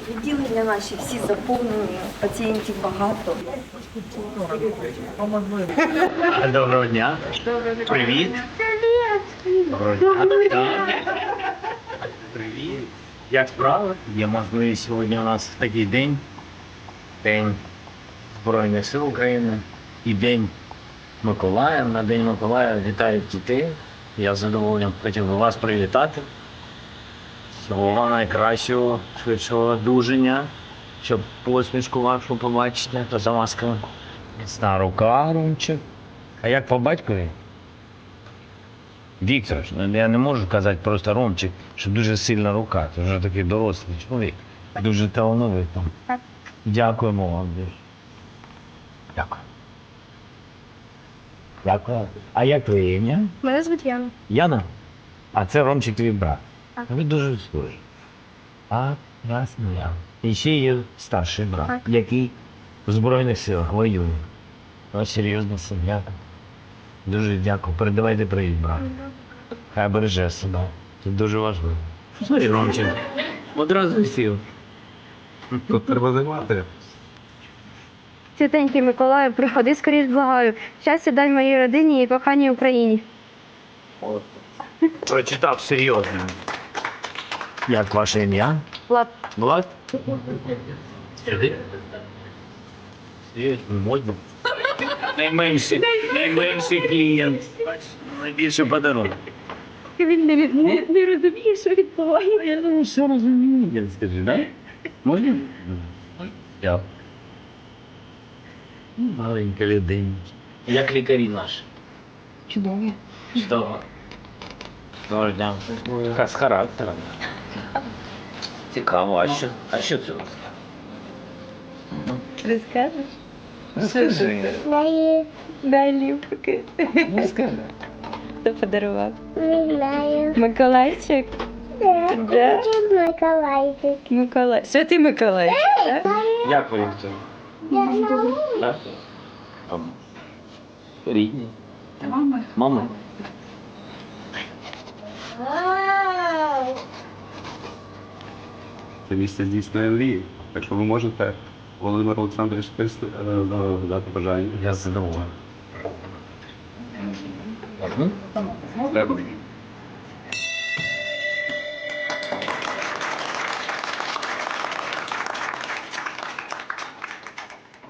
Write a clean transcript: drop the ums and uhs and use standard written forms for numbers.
Відділення наші всі заповнені, пацієнтів багато. Доброго дня. Привіт. Доброго дня. Привіт. Як справи? Є можливість сьогодні у нас такий день. День Збройних сил України і День Миколая. На День Миколая вітаю дітей. Я з задоволенням хотів би вас привітати. Всього найкращого, швидшого одужання, щоб посмішку вашу побачити, то за масками. Міцна рука, Ромчик. А як по батькові? Віктор, я не можу казати просто Ромчик, що дуже сильна рука. Це вже такий дорослий чоловік. Дуже талановитий. Дякуємо вам. Дякую. Дякую. А як твоє ім'я? Мене звуть Яна. Яна? А це Ромчик твій брат. Так. Ви дуже схожі. А, ясно, Яна. І ще є старший брат, Так. який в Збройних силах воює. Ось серйозна сім'я. Дуже дякую. Передавайте привіт, брат. Хай береже себе. Це дуже важливо. Смотри, Ромчик. Одразу сів. Тут треба займати. Святенький Миколаю, приходи скоріш, благаю. Щастя дай моїй родині і коханій Україні. Прочитав серйозно. Як ваше ім'я? Влад. Влад? Сюди. Можна? Найменший клієнт. Найбільший подарунок. Він не розуміє, що відбувається. Я думаю, все розумію. Скажи, да? Можна? Я. Маленька людина. Як лікарі наші? Чудові. Чудово. Доброго дня. З характером. Цікаво, а що це у вас? Розкажеш? Розкажи. Дай ліпки. Розкажи. Хто подарував? Не знаю. Миколайчик? Да. Миколайчик. Миколай. Святий Миколайчик, так? Як ви це? Так? Рідні. Мама. Мама. Це місце здійснює мрії. Так що ви можете Володимир Олександрович дати бажання. Я задоволений. Треба.